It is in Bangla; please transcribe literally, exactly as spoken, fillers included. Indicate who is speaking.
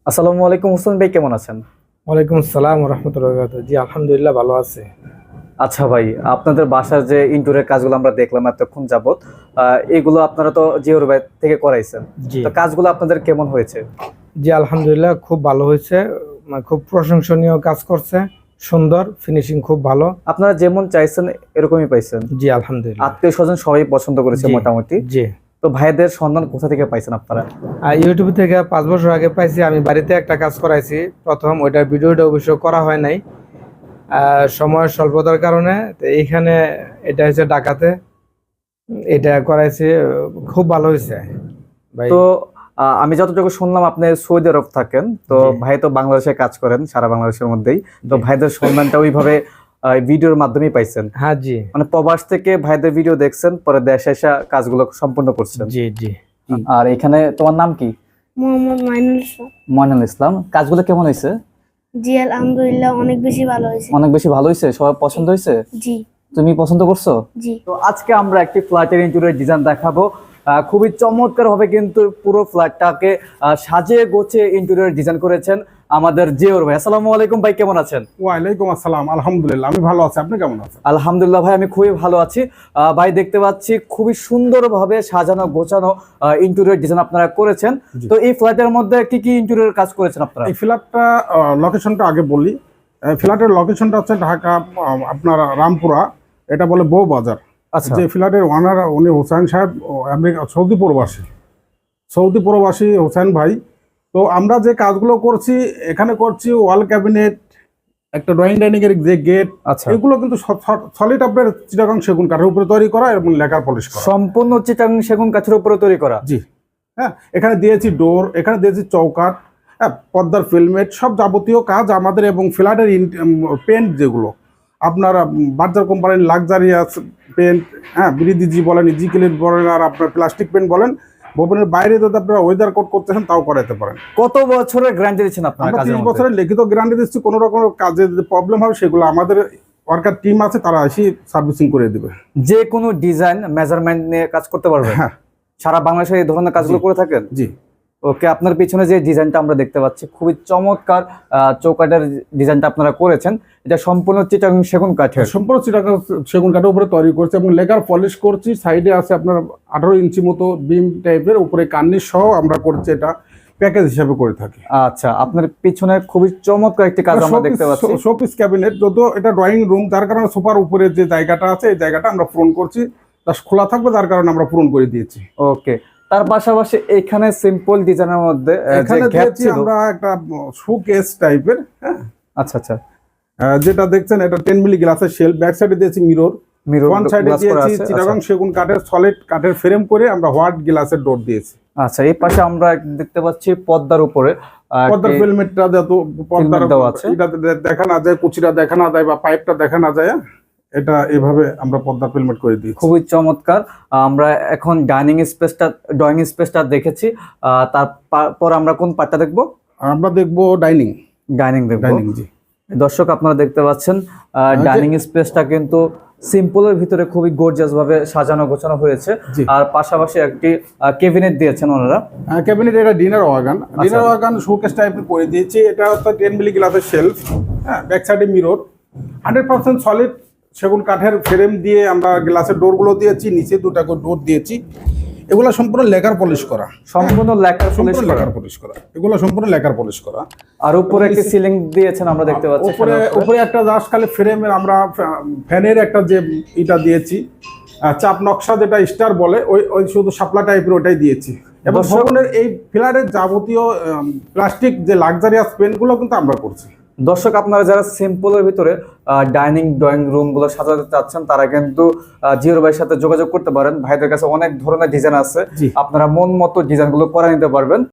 Speaker 1: আসসালামু আলাইকুম, হোসেন ভাই কেমন আছেন?
Speaker 2: ওয়ালাইকুম আসসালাম ওয়া রাহমাতুল্লাহি ওয়া বারাকাতুহু। জি আলহামদুলিল্লাহ ভালো আছে।
Speaker 1: আচ্ছা ভাই, আপনাদের বাসার যে ইনডোরের কাজগুলো আমরা দেখলাম এতক্ষণ যাবত, আহ, এগুলো আপনারা তো জিওর ভাই থেকে করাইছেন।
Speaker 2: জি
Speaker 1: তো কাজগুলো আপনাদের কেমন হয়েছে?
Speaker 2: জি আলহামদুলিল্লাহ খুব ভালো হয়েছে। মানে খুব প্রশংসনীয় কাজ করছে, সুন্দর ফিনিশিং খুব ভালো।
Speaker 1: আপনারা যেমন চাইছেন এরকমই পাইছেন?
Speaker 2: জি আলহামদুলিল্লাহ।
Speaker 1: আত্মীয় স্বজন সবাই পছন্দ করেছে
Speaker 2: জি
Speaker 1: মোটামুটি।
Speaker 2: জি
Speaker 1: তো ভাইদের সন্ধান কোথা থেকে পাইছেন আপনারা?
Speaker 2: আর ইউটিউব থেকে পাঁচ বছর আগে পাইছি। আমি বাড়িতে একটা কাজ করাইছি প্রথম, ওইটার ভিডিওটা অবশ্য করা হয় নাই আহ, সময়ের স্বল্পতার কারণে। তো এইখানে এটা হচ্ছে ঢাকাতে, এটা করাইছি, খুব ভালো হয়েছে ভাই।
Speaker 1: তো আহ, আমি যতটুকু শুনলাম আপনি সৌদি আরব থাকেন, তো
Speaker 2: জি।
Speaker 1: ভাই তো বাংলাদেশে কাজ করেন, সারা বাংলাদেশের মধ্যেই। তো
Speaker 2: জি।
Speaker 1: ভাইদের সন্ধানটা ওইভাবে ভিডিওর মাধ্যমেই পাইছেন?
Speaker 2: হ্যাঁ জি
Speaker 1: মানে প্রবাস থেকে ভাইদের ভিডিও দেখছেন, পরে দেশে এসে কাজগুলো সম্পূর্ণ করছেন।
Speaker 2: জি জি
Speaker 1: আর এখানে তোমার নাম কি?
Speaker 3: মোহাম্মদ মাইনুল ইসলাম।
Speaker 1: ময়নুল ইসলাম। কাজগুলো কেমন হয়েছে?
Speaker 3: জি আলহামদুলিল্লাহ অনেক বেশি ভালো হয়েছে।
Speaker 1: অনেক বেশি ভালো হয়েছে, সবার পছন্দ হয়েছে?
Speaker 3: জি
Speaker 1: তুমি পছন্দ করছো?
Speaker 3: জি
Speaker 1: তো আজকে আমরা একটি ফ্ল্যাটের ইন্টেরিয়র ডিজাইন দেখাবো। আহ, খুবই চমৎকার হবে, কিন্তু পুরো ফ্ল্যাটটাকে আহ, সাজিয়ে গোছিয়ে ইন্টেরিয়র ডিজাইন করেছেন আমাদের জিওর ভাই। আসসালামু আলাইকুম ভাই, কেমন আছেন?
Speaker 4: ওয়ালাইকুম আসসালাম। আলহামদুলিল্লাহ আমি ভালো আছি, আপনি কেমন আছেন?
Speaker 1: আলহামদুলিল্লাহ ভাই, আমি খুবই ভালো আছি। আহ, ভাই দেখতে পাচ্ছি খুবই সুন্দরভাবে সাজানো গোছানো ইন্টেরিয়র ডিজাইন আপনারা করেছেন।
Speaker 4: জি।
Speaker 1: তো এই ফ্ল্যাটের মধ্যে কি কি ইন্টেরিয়র কাজ করেছেন আপনারা?
Speaker 4: এই ফ্ল্যাটটা লোকেশনটা আগে বলি। এই ফ্ল্যাটের লোকেশনটা হচ্ছে ঢাকা, আহ, আপনার রামপুরা, এটা বলে বউ বাজার।
Speaker 1: আচ্ছা।
Speaker 4: যে ফ্ল্যাটের ওনার উনি হোসেন সাহেব, ও আমেরিকা সৌদি প্রবাসী সৌদি প্রবাসী হোসেন ভাই। তো আমরা যে কাজগুলো করছি এখানে করছি ওয়াল ক্যাবিনেট, একটা ড্রয়িং ডাইনিং এর যে গেট,
Speaker 1: আচ্ছা,
Speaker 4: এগুলো কিন্তু সলিড আপনার চিটাগাং সেগুন কাঠের উপরে তৈরি করা এবং লেকার পলিশ করা।
Speaker 1: সম্পূর্ণ চিটাং সেগুন কাঠের উপরে তৈরি করা।
Speaker 4: জি হ্যাঁ, এখানে দিয়েছি ডোর, এখানে দিয়েছি চৌকাঠ, হ্যাঁ, পর্দার ফিল্মেট, সব যাবতীয় কাজ আমাদের। এবং ফ্ল্যাটের পেন্ট যেগুলো আপনার বার্জার কোম্পানির লাক্সারিয়াস পেন্ট, হ্যাঁ, বিরিদিজি বলেন, ইজিকেলের বলেন, আর আপনার প্লাস্টিক পেন্ট বলেন, ভবনের বাইরে যদি আপনারা ওয়েদার কোড করতেছেন তাও করাতে পারেন।
Speaker 1: কত বছরের গ্যারান্টি দিচ্ছেন আপনারা
Speaker 4: আমরা
Speaker 1: কাজের
Speaker 4: তিরিশ
Speaker 1: মধ্যে?
Speaker 4: বছরের লিখিত গ্যারান্টি দিচ্ছি। কোনো রকম কাজে যদি প্রবলেম হবে সেগুলো আমাদের ওয়ার্কার টিম আছে, তারা এসে সার্ভিসিং করে দেবে।
Speaker 1: যে কোনো ডিজাইন মেজারমেন্ট নিয়ে কাজ করতে পারবে?
Speaker 4: হ্যাঁ
Speaker 1: সারা বাংলাদেশে এই ধরনের কাজগুলো
Speaker 4: জি।
Speaker 1: করে থাকেন?
Speaker 4: জি
Speaker 1: ওকে, আপনার পিছনে যে ডিজাইনটা আমরা দেখতে পাচ্ছি খুবই চমৎকার আহ, চৌকাঠের ডিজাইনটা আপনারা করেছেন। এটা সম্পূর্ণ চিটাং সেগুন কাঠের।
Speaker 4: সম্পূর্ণ চিটাগাং সেগুন কাঠের উপরে তৈরি করছে এবং লেকার পলিশ করছি। সাইডে আছে আপনার আঠারো ইঞ্চি মতো বিম টাইপের, উপরে কার্নিশ সহ আমরা করছি, এটা প্যাকেজ হিসাবে করে থাকি।
Speaker 1: আচ্ছা, আপনার পিছনে খুবই চমৎকার একটি কাজ আমরা দেখতে পাচ্ছি।
Speaker 4: শোপিস ক্যাবিনেট, যদিও এটা ড্রয়িং রুম, যার কারণে সোফার উপরে যে জায়গাটা আছে এই জায়গাটা আমরা পূরণ করছি, তা খোলা থাকবে, যার কারণে আমরা পূরণ করে দিয়েছি।
Speaker 1: ওকে, তার পাশাপাশি এখানে সিম্পল ডিজাইনের মধ্যে আহ, যে
Speaker 4: এখানে
Speaker 1: গ্যাপ
Speaker 4: দিয়েছি
Speaker 1: ছিল।
Speaker 4: আমরা একটা শোকেস টাইপের, হ্যাঁ,
Speaker 1: আচ্ছা আচ্ছা,
Speaker 4: আহ, যেটা দেখছেন এটা টেন মিলি গ্লাসের শেল, ব্যাক সাইডে দিয়েছি মিরর,
Speaker 1: মিরর
Speaker 4: ফ্রন্ট সাইডে
Speaker 1: গ্লাস করা
Speaker 4: দিয়েছি
Speaker 1: আছে।
Speaker 4: চিটাগাং
Speaker 1: আচ্ছা।
Speaker 4: সেগুন কাঠের সলিড কাঠের ফ্রেম করে আমরা হোয়াইট গ্লাসের ডোর দিয়েছি।
Speaker 1: আচ্ছা, এই পাশে আমরা দেখতে পাচ্ছি পর্দার উপরে আহ,
Speaker 4: পর্দার
Speaker 1: একটি-
Speaker 4: ফিল্মেটটা যত পর্দার
Speaker 1: দেওয়া আছে।
Speaker 4: এটা দেখা না যায়, কুচিটা দেখা না যায় বা পাইপটা দেখা না যায়, এটা এভাবে আমরা পর্দার ফিল্মেট করে দিয়েছি।
Speaker 1: খুবই চমৎকার। আমরা এখন ডাইনিং স্পেসটা ড্রয়িং স্পেসটা দেখেছি, আহ, তারপর আমরা কোন পার্টটা দেখবো?
Speaker 4: আমরা দেখবো ডাইনিং।
Speaker 1: ডাইনিং দেখবো।
Speaker 4: ডাইনিং জি।
Speaker 1: দর্শক আপনারা দেখতে পাচ্ছেন
Speaker 4: যে-
Speaker 1: ডাইনিং স্পেসটা কিন্তু সিম্পলের ভিতরে খুবই গর্জিয়াস ভাবে সাজানো গোছানো হয়েছে।
Speaker 4: জি।
Speaker 1: আর পাশাপাশি একটি ক্যাবিনেট দিয়েছেন ওনারা।
Speaker 4: ক্যাবিনেট, এটা dinner wagon, dinner wagon showcase টাইপের করে দিয়েছি। এটা হচ্ছে টেন মিলি গ্লাসের শেলফ, হ্যাঁ, ব্যাক সাইডে মিরর, হান্ড্রেড পার্সেন্ট সলিড সেগুন কাঠের ফ্রেম দিয়ে আমরা গ্লাসের ডোরগুলো দিয়েছি, নিচে দুটা করে ডোর দিয়েছি। এগুলো সম্পূর্ণ লেকার পলিশ করা,
Speaker 1: সম্পূর্ণ লেকার পলিশ
Speaker 4: সম্পূর্ণ
Speaker 1: করা।
Speaker 4: লেকার পলিশ করা, এগুলো সম্পূর্ণ লেকার পলিশ করা।
Speaker 1: আর উপরে একটি সিলিং দিয়েছেন আমরা দেখতে পাচ্ছি।
Speaker 4: উপরে উপরে একটা জাস্ট খালি ফ্রেমের আমরা ফ্যানের একটা যে ইটা দিয়েছি, আহ, চাপ নকশা যেটা স্টার বলে, ওই ওই শুধু শাপলা টাইপের ওটাই দিয়েছি। এবং
Speaker 1: দর্শক-
Speaker 4: ভবনের এই ফ্ল্যাটের যাবতীয় প্লাস্টিক যে লাক্সারিয়াস পেনগুলো কিন্তু আমরা করছি।
Speaker 1: দর্শক আপনারা যারা সিম্পলের ভিতরে ডাইনিং ড্রয়িং রুম গুলো সাজাতে চাচ্ছেন তারা কিন্তু আহ, জিওর ভাইয়ের সাথে যোগাযোগ করতে পারেন। ভাইদের কাছে অনেক ধরনের ডিজাইন আছে,
Speaker 4: জি।
Speaker 1: আপনারা মন মতো ডিজাইন গুলো করে নিতে পারবেন।